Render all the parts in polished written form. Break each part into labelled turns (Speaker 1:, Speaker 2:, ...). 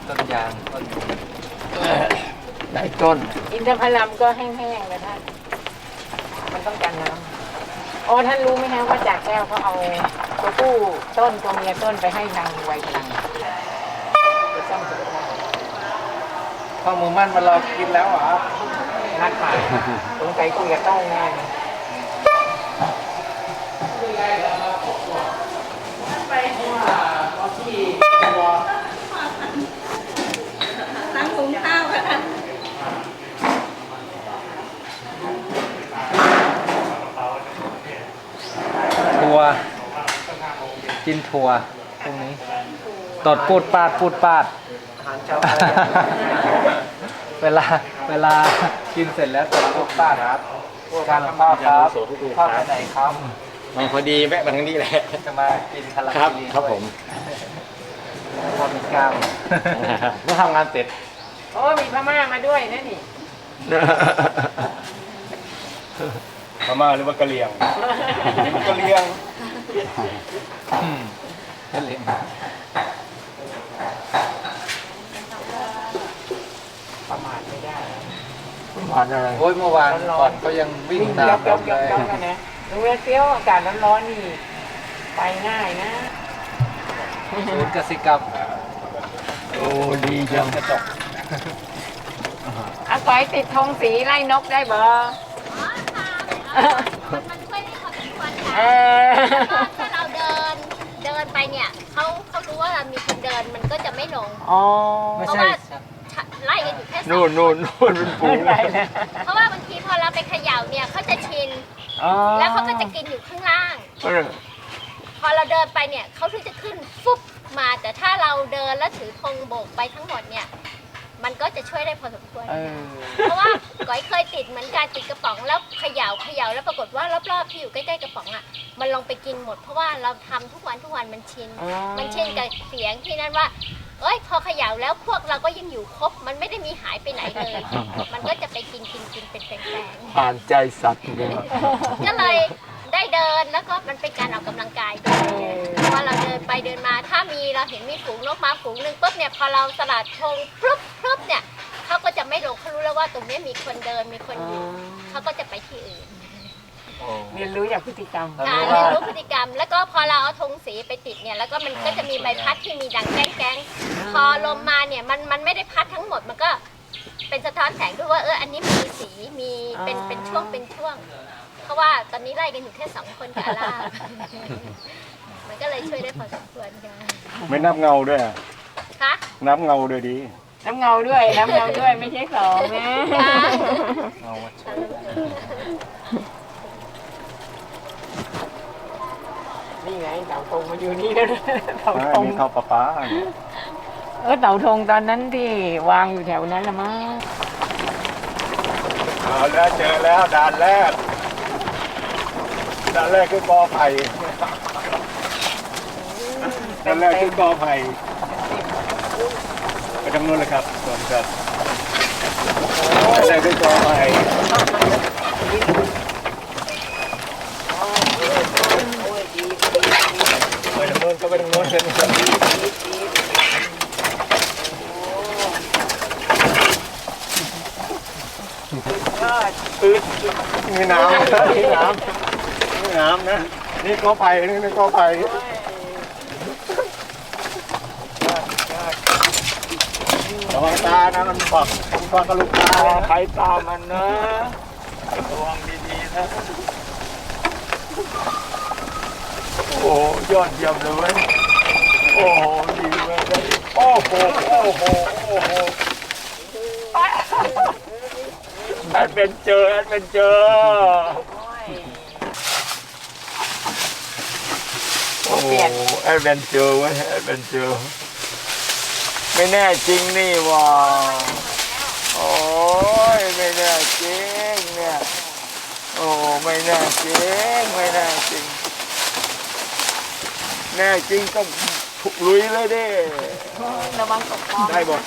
Speaker 1: ต้นยางต้นหลายต้น
Speaker 2: อินทผลัมก็แห้งๆเลยท่านมันต้องการน้ำอ๋อท่านรู้ไหมฮะว่าจากแก้วเขาเอาตัวผู้ต้นตัวเมียต้นไปให้นางไวพลังไปซ่อมสุขภาพข้าวหมูมั่นมาเรากินแล้วเหรอนัดหมายสงสัยคุยกับต้องแน่ไปที่
Speaker 3: ตั้งหุงข้าวค่ะท่าน
Speaker 1: ถั่วกินถั่วตรงนี้ตดปูดปาดเวลากินเสร็จแล้วตดปูดปาดครับการข้าวครับข้าวไปไหนครับ
Speaker 4: มาพอดีแวะมาทางนี้แหละ
Speaker 1: จะมากินคาราเมล
Speaker 4: ครับผม
Speaker 1: พอมีกล้าม
Speaker 4: เมื่อทำงานเสร็จ
Speaker 2: โอ้มีพม่ามาด้วยนะนี่
Speaker 4: พม่าหรือว่ากะเหรี่ยงกะเหรี่ยง
Speaker 2: ประมาทไม่ได้
Speaker 1: ประมาทอะไรโอ้ยเมื่อวานก่อนเขายังวิ่งตาม
Speaker 2: ยกนะดูเวลาเที่ยวอากาศร้อนๆนี่ไปง่ายนะ
Speaker 1: ศูนย์กสิกรรม
Speaker 4: โอ้ดีจัง
Speaker 1: กระจก
Speaker 2: อาศัยติดธงสีไล่นกได้บ่
Speaker 3: มันช่วยได้พอสมควรค่ะถ้าเราเดินไปเนี่ยเขารู้ว่าเรามีคนเดินมันก็จะไม่หลงเพราะว่าไล่กันอยู่แค่
Speaker 4: นู่นเป็นฝูง
Speaker 3: เพราะว่าบางทีพอเราไปเขย่าเนี่ยเขาจะชินแล้วเขาก็จะกินอยู่ข้างล่างพอเราเดินไปเนี่ยเขาถึงจะขึ้นฟุบมาแต่ถ้าเราเดินแล้วถือธงโบกไปทั้งหมดเนี่ยมันก็จะช่วยได้พอสมควรเพราะว่าก้อยเคยติดเหมือนการติดกระป๋องแล้วเขย่าแล้วปรากฏว่ารอบๆที่อยู่ใกล้ๆกระป๋องอ่ะมันลงไปกินหมดเพราะว่าเราทำทุกวันมันชินกับเสียงที่นั่นว่าเอ้ยพอเขย่าแล้วพวกเราก็ยังอยู่ครบมันไม่ได้มีหายไปไหนเลยมันก็จะไปกินเป็นแปลง
Speaker 4: ๆผ่านใจสัตว์เลย
Speaker 3: ก็เลยได้เดินแล้วก็มันเป็นการออกกำลังกายด้วยเพราะว่าเราเดินไปเดินมาถ้าเราเห็นมีฝูงนกมาฝูงหนึ่งปุ๊บเนี่ยพอเราสลัดธงปุ๊บเนี่ยเขาก็จะไม่ลงเขารู้แล้วว่าตรงนี้มีคนเดินมีคนอยู่เขาก็จะไปที่อื่น
Speaker 2: เรียนรู้จากพฤติกรรม
Speaker 3: เรียนรู้พฤติกรรมแล้วก็พอเราเอาธงสีไปติดเนี่ยแล้วก็มันก็จะมีใบพัดที่มีดังแก้งพอลมมาเนี่ยมันไม่ได้พัดทั้งหมดมันก็เป็นสะท้อนแสงด้วยว่าอันนี้มีสีมีเป็นช่วงเพราะว่าตอนนี้ไล่กันอยู่แค่2 คนกับอาล่ามันก็เลยช่วยได้พอสมควรค่ะ
Speaker 4: ไม่นับเงาด้วย
Speaker 3: คะ
Speaker 4: นับเงาด้วยดี
Speaker 2: น้ำเงาด้วยไม่ใช่2นะนี่ไงเต่าธงมาอยู่นี่แล้วเต่าธง
Speaker 4: มีเต่าป้า
Speaker 2: เต่าธงตอนนั้นที่วางอยู่แถวนั้นละมั้ง
Speaker 4: เอาแล้วเจอแล้วด่านแรกคือกอไผ่ด่านแรกคือกอไผ่ไปทางโน้นเลยครับส่วนครับด่านแรกคือกอไผ่ไปทางโน้นก็ไปทางโน้นเช่นกันมีน้ำนะนี่กอไผ่นี่กอไผ่ระวังตานะมันปักกระลุกตาใครตามันนะระวังดีๆนะโอ้ยอดเยี่ยมเลยโอ้โหดีเลยโอ้โหแอดเวนเจอร์โอ้แอดเวนเจอร์เว้ยแอดเวนเจอร์ไม่แน่จริงนี่ว่าโอ้ยไม่แน่จริงเนี่ยโอ้ไม่แน่จริงแน่จริงต้องลุยเลยดิ
Speaker 2: ระวังตกคลอง
Speaker 4: ได้หมด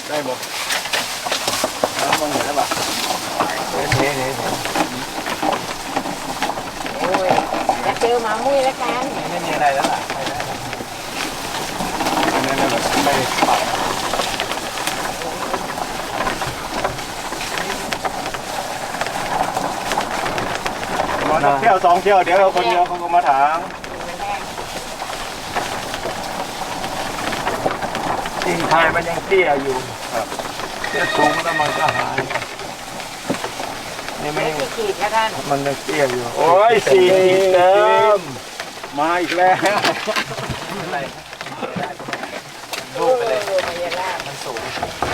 Speaker 4: มองเห็นแล้วป่ะ
Speaker 2: นี่โอ้ยจะเจอหมามุ้ยแล้วกัน
Speaker 1: ไม่มีอะไรแล้วล่ะ
Speaker 4: นั่นแบบไม่ปรับ
Speaker 5: ที่ยว2 เที่ยวเดี๋ยวคนเดียวเขาก็มาถาง
Speaker 4: กิ่งไผ่มันยังเตี้ยอยู่จะสูงแล้วมันก็หายนี่ไม่
Speaker 2: ไม่ขีดนะท่าน
Speaker 4: มันยังเตี้ยอยู่โอ้ย4 ขีดเติม
Speaker 5: มาอีกแล้ว
Speaker 1: ลูกไปเลย
Speaker 2: มายาลาบ
Speaker 1: มันสูง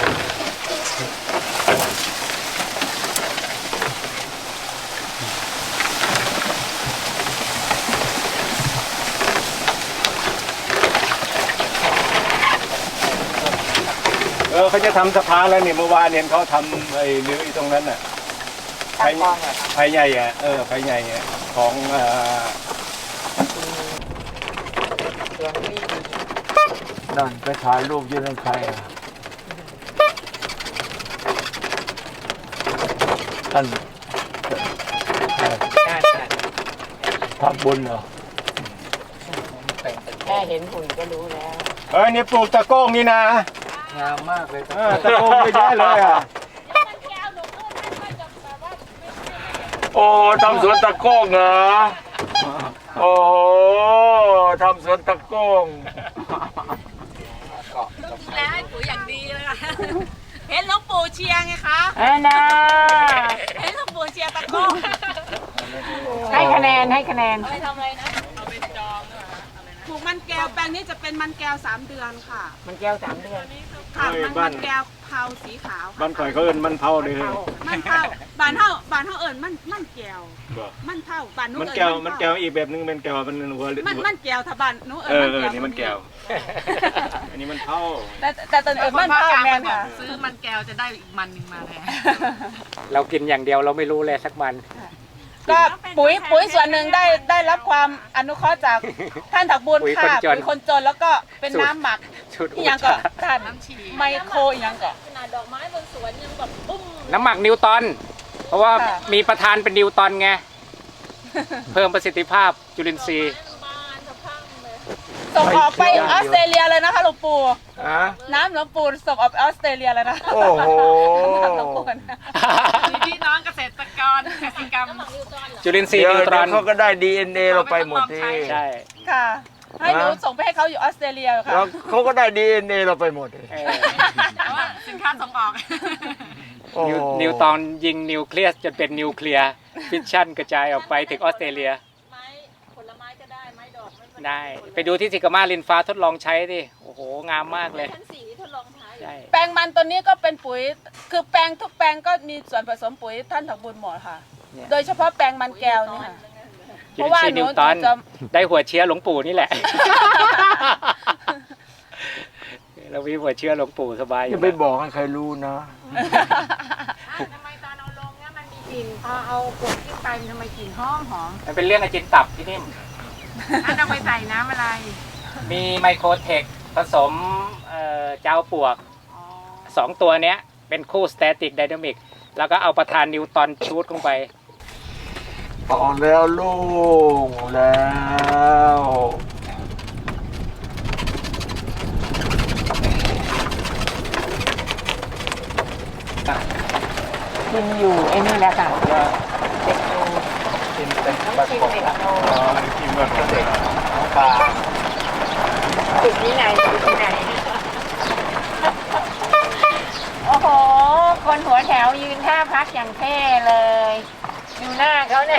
Speaker 5: เขาจะทำสะพานแล้วเนี่ยเมื่อวานเนี่ยเขาทำไอ้เนื้อตรงนั้นน่ะ
Speaker 2: ตั้งกองเหรอครับ
Speaker 5: ไผ่ใหญ่อะไผ่ใหญ่อะของ
Speaker 2: เสียงดี
Speaker 4: นั่นไปถ่ายรูปยืนใครท่าน
Speaker 2: ใช่
Speaker 4: ทำบุญเหรอ
Speaker 2: แค่เห็นหุ่นก็รู้แล้ว
Speaker 5: นี่ปลูกตะโก้งนี่นะ
Speaker 1: งามมากเลย
Speaker 5: ตะโก้งเยอะแยะเลยอ่ะ
Speaker 4: โอ้ทำสวนตะโก้งเหรอโอ้ทำสวนตะโก้ง
Speaker 6: แล้วให้ปุ๋ยอย่างดีเลยค่ะเห็นหลวงปู่เชียร์ไงคะ
Speaker 2: นะ
Speaker 6: เห็นหลวงปู่เชียร์ตะโก้
Speaker 2: ให้คะแนนให้คะแนน
Speaker 6: เอาไปทำอะไรนะเอาไปจองปลูกมันแก้วแปลงนี้จะเป็นมันแก้ว3 เดือนค่ะ
Speaker 2: มันแก้ว3 เดือน
Speaker 6: ค่ะมันแก้วเผาสีขาว
Speaker 5: บ้านข่อยเขาเอิ้นมันเผาเลย
Speaker 6: มันเผาบานเท่าเอิญมันแก้วมันเผาบานนู้
Speaker 5: มัน
Speaker 6: เอิญ
Speaker 5: แก้วมันแก้วอีกแบบนึงเป็นแก้วมันหัว
Speaker 6: มันแก้วถ้าบานนู้เอิญ
Speaker 5: นี่มันแก้วอันนี้มันเผา
Speaker 6: แต่ตอนเอิญมันเผาแมนค่ะซื้อมันแก้วจะได้อีกมันหนึ่งมาแทน
Speaker 1: เรากินอย่างเดียวเราไม่รู้เลยสักมัน
Speaker 6: ก็ปุ๋ยส่วนหนึ่งได้รับความอนุเคราะห์จากท่านถักบุญค่ะปุ๋ยคนจนแล้วก็เป็นน้ำหมัก
Speaker 1: ชุด
Speaker 6: อีหยังก็ท่านไมโครอีหยังก็
Speaker 3: ขนาดดอกไม้บนสวนยังแบบปุ้ม
Speaker 1: น้ำหมักนิวตัน เพราะว่า
Speaker 6: ค่ะ
Speaker 1: มีประธานเป็นนิวตันไง เพิ่มประสิทธิภาพจุลินทรีย์
Speaker 3: บานสะพรั่งเลย
Speaker 6: ส่งออกไปออสเตรเลียเลยนะคะหลวงปู่
Speaker 4: ฮะ
Speaker 6: น้ำหลวงปู่ส่งออกไปออสเตรเลียเลยนะ
Speaker 4: โอ้โห
Speaker 6: หลวงปู่นะมีพี่น้องเกษตรกรกสิกรรม
Speaker 1: จุลินทรีย์
Speaker 4: เดี๋ยว
Speaker 1: นิวตัน
Speaker 4: เขาก็ได้ DNA เราไปหมดที่
Speaker 1: ใช่
Speaker 6: ค่ะ ให้หนูส่งไปให้เขาอยู่ออสเตรเลียค่ะ
Speaker 4: แล้วเขาก็ได้ DNA เราไปหมดเลย
Speaker 1: เออ
Speaker 6: แต่ว่าสินค้าส่งออก
Speaker 4: โอ้โห
Speaker 1: นิวตันยิงนิวเคลียสจนเป็นนิวเคลียร์ฟิชชั่นกระจายออกไปถึงออสเตรเลีย
Speaker 3: ไม้ผลไม้ก็ได้ไม้ดอกไม่
Speaker 1: ได้ ไปดูที่สิกามาลินฟ้าทดลองใช้ดิ โอ้โห งามมากเลย
Speaker 3: ชั้น4ทดลองใช้
Speaker 1: ใช่
Speaker 6: แปลงมันตัวนี้ก็เป็นปุ๋ย คือแปลงทุกแปลงก็มีส่วนผสมปุ๋ยท่านถักบุญหมดค่ะ โดยเฉพาะแปลงมันแก้วนี่ค่ะ
Speaker 1: จุลินทรีย์นิวตัน
Speaker 6: จะ
Speaker 1: ได้หัวเชื้อหลวงปู่นี่แหละ เรามีหัวเชื้อหลวงปู่สบายอ
Speaker 4: อย่า
Speaker 1: ยู่
Speaker 4: ไป
Speaker 1: แล้ว
Speaker 4: บอกให้ใครรู้นะ
Speaker 2: ทำไมตอนเอาลงเนี่ยมันมีกลิ่นพอเอากดขึ้นไปมันทำไมกลิ่นหอม
Speaker 1: มันเป็นเรื่องอาจินตับที่นิ่ม
Speaker 6: อันเอาไปใส่น้ำอะไร
Speaker 1: มีไมโครเทคผสมเจ้าปวก 2 ตัวเนี้ย เป็นคู่สแตติกไดนามิก แล้วก็เอาประธานนิวตันชูดลงไป
Speaker 4: ออกแล้วลูกแล้ว
Speaker 2: กินอยู่ไอ้นี่แหละค่ะเด็กดู
Speaker 1: กินเป็น
Speaker 2: ต้อง
Speaker 1: ปลา
Speaker 2: ชิม
Speaker 1: กบ
Speaker 2: เด็ก
Speaker 1: ครับ
Speaker 2: ดู
Speaker 5: กินแบบเด็ก
Speaker 1: ปลา
Speaker 2: ติดที่ไหนติดที่ไหน โอ้โห คนหัวแถวยืนท่าพักอย่างเท่เลยดูหน้าเขาเนี่ย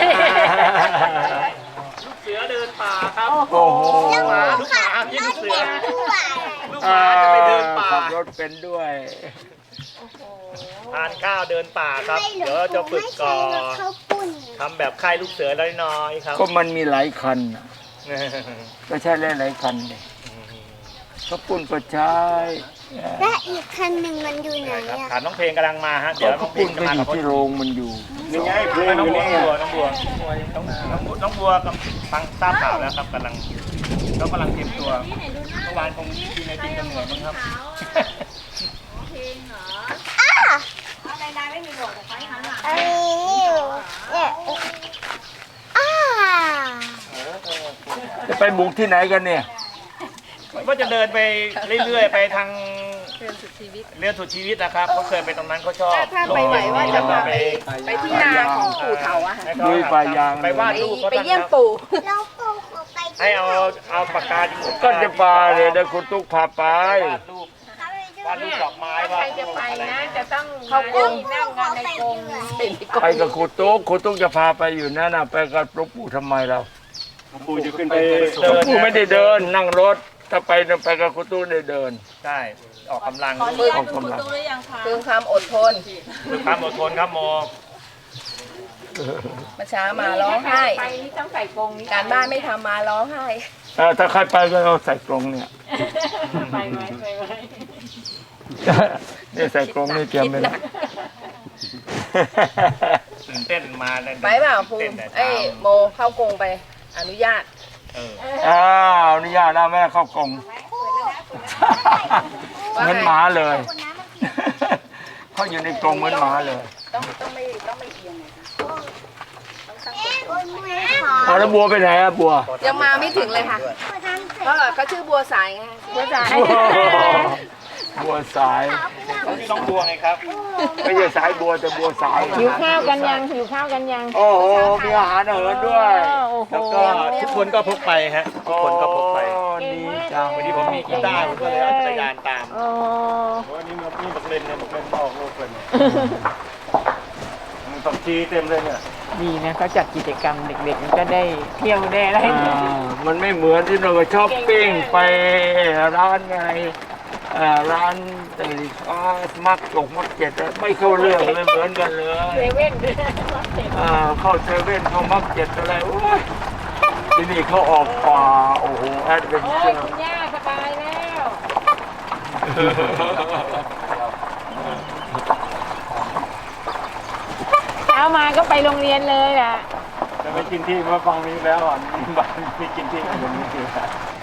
Speaker 1: เสือเดินป่าครับ
Speaker 2: โอ้โห
Speaker 4: โอ้โห
Speaker 1: ลูกหมากินเสือลูกห
Speaker 4: อ่า
Speaker 1: มาจะไปเดินป่า
Speaker 4: ขับรถเป็นด้วย
Speaker 7: ทานข้าวเดินป่าครับ เดี๋ยวจะฝึกก่อนทำแบบค่ายลูกเสือน้อยๆครับ
Speaker 4: ก็มันมีหลายคันน่ะก็ใช่หลายๆคันเลยเขาปุ่นก็ใช้
Speaker 8: และอีกคันหนึ่งมันอยู่ไหน
Speaker 7: ครับ
Speaker 8: อะ
Speaker 7: ฐานน้องเพลงกำลังมาฮะ เดี๋ยวน้
Speaker 4: เขา
Speaker 7: องเพล
Speaker 4: ปุ่
Speaker 7: ง
Speaker 4: น
Speaker 7: จะ
Speaker 4: ก็
Speaker 7: มา
Speaker 4: อ
Speaker 7: กั
Speaker 4: ยู่
Speaker 7: บ
Speaker 4: ที่โรงมันอยู่
Speaker 5: นี่ไงเพลง
Speaker 7: น้
Speaker 5: อ
Speaker 7: อง
Speaker 5: ยู่
Speaker 7: บัว
Speaker 5: นี่
Speaker 7: น้องบัวน้องบัวกับฟังทราบข่าวแล้วครับกำลังเขากำลังเตรียมตัวเมื่อวานคงกินไอติมกันเหนื่อยมั้งครับ
Speaker 3: เพลงเหรอ
Speaker 8: อันนี้อยู่เนี่ย
Speaker 4: จะไปบุกที่ไหนกันเนี่ย
Speaker 7: ว่าจะเดินไปเรื่อยๆไปทาง
Speaker 6: เรือนสุดชีวิต
Speaker 7: เรื่องสุดชีวิตนะครับเขาเคยไปตรงนั้นเขาชอบ
Speaker 6: ถ้าไปไหวว่าจะพาไปที่นาของปู่เถาอะค่ะ
Speaker 4: ลุยป่ายาง
Speaker 7: ไปวาดรูปเขา
Speaker 6: ไปเยี่ยมปู่
Speaker 8: เราปูขอไป
Speaker 7: ให้เอาปากกา
Speaker 4: ก็จะปลาเลยนะคุณตุ๊กพาไป
Speaker 7: วาดรูปวาดรูปดอกไม้
Speaker 2: ใค
Speaker 7: วาร ด
Speaker 2: จะไปนะจะต้อง
Speaker 6: เข้ากรง
Speaker 2: นั่งงานในกรง
Speaker 4: ไปกับคุณตุ๊กจะพาไปอยู่นั่นน่ะไปกับหลวงปู่ทำไมเรา
Speaker 5: ปู่จะขึ้นไป
Speaker 4: หลวงปู่ไม่ได้เดินนั่งรถถ้าไปกับคุณตุ๊กได้เดิน
Speaker 7: ใช่ออกกำลัง
Speaker 6: ขออนุญาตคุณตู้หรือยังคะคือความอดทน
Speaker 7: คือความอดทนครับโม
Speaker 6: มาช้ามาร้องไห้
Speaker 2: ไปนี่ต้องใส่กรงนี้
Speaker 6: การบ้านไม่ทำมาร้องไห้
Speaker 4: ถ้าใครไปก็เอาใส่กรงเนี่ย
Speaker 2: ไปไหมไปไหม
Speaker 4: เนี่ยใส่กรงนี่เตรียมไปแล้ว
Speaker 7: ตื่นเต้นมาเลย
Speaker 6: ไปเปล่าภู
Speaker 7: ต้น
Speaker 6: มิ
Speaker 7: แต่
Speaker 6: เอ้
Speaker 7: เช้าย
Speaker 6: โมเข้ากรงไปอนุญาต
Speaker 4: อ้าวอนุญาตนะแม่เข้ากรงเหมือนหมาเลย เขาอยู่ในกรงเหมือนหมาเลย
Speaker 6: ต้องไม่เอียงไงคะ
Speaker 8: โอ้ยมือขอ
Speaker 4: เอาแล้วบัวไปไหนอะบัว
Speaker 6: ยังมาไม่ถึงเลยค่ะ
Speaker 8: ทำเสร็จ
Speaker 6: เพราะเขาชื่อบัวสายไงบัวสาย
Speaker 4: บัวสาย
Speaker 7: นี่น้องบัวไงครับ
Speaker 4: ไม่ใช่สายบัวแต่บัวสาย
Speaker 2: หิวข้าวกันยังหิวข้าวกันยัง
Speaker 4: โอ้โหมีอาหารเหินด้วย
Speaker 2: โอ้โห
Speaker 7: แล้วก็ทุกคนก็พกไปฮะทุกคนก็พกไป
Speaker 4: โอ้ดีจัง
Speaker 7: วันนี้ผมมีกีตาร์ผมก็เลยเอาจักรยานตาม
Speaker 2: โอ้
Speaker 5: วันนี้มีบักเลนเนี่ยบักเลนออกลูกเลยมันผักชีเต็มเลยเนี่ย
Speaker 2: ดีนะเขาจัดกิจกรรมเด็กๆมันก็ได้เที่ยวได้อะไร
Speaker 4: มันไม่เหมือนที่เราไปช้อปปิ้งไปร้านอะไรร้านมักจกมักเจ็ดไม่เข้าเรื่องเลยเหมือนกันเลย
Speaker 2: เซเว่น
Speaker 4: เข้าเซเว่นเข้ามักเจ็ดอะไรโอ้ยที่นี่เขาออกป่าโอ้โหแอดเวน
Speaker 2: โอ้
Speaker 4: เจ
Speaker 2: ย
Speaker 4: อร์
Speaker 2: คุณย่าสบายแล้วเช้ามาก็ไปโรงเรียนเลยล่ะ
Speaker 5: จะไปกินที่มาฟังนี้แล้วอ่ะบ้านไม่กินที่อย่างนี้คือ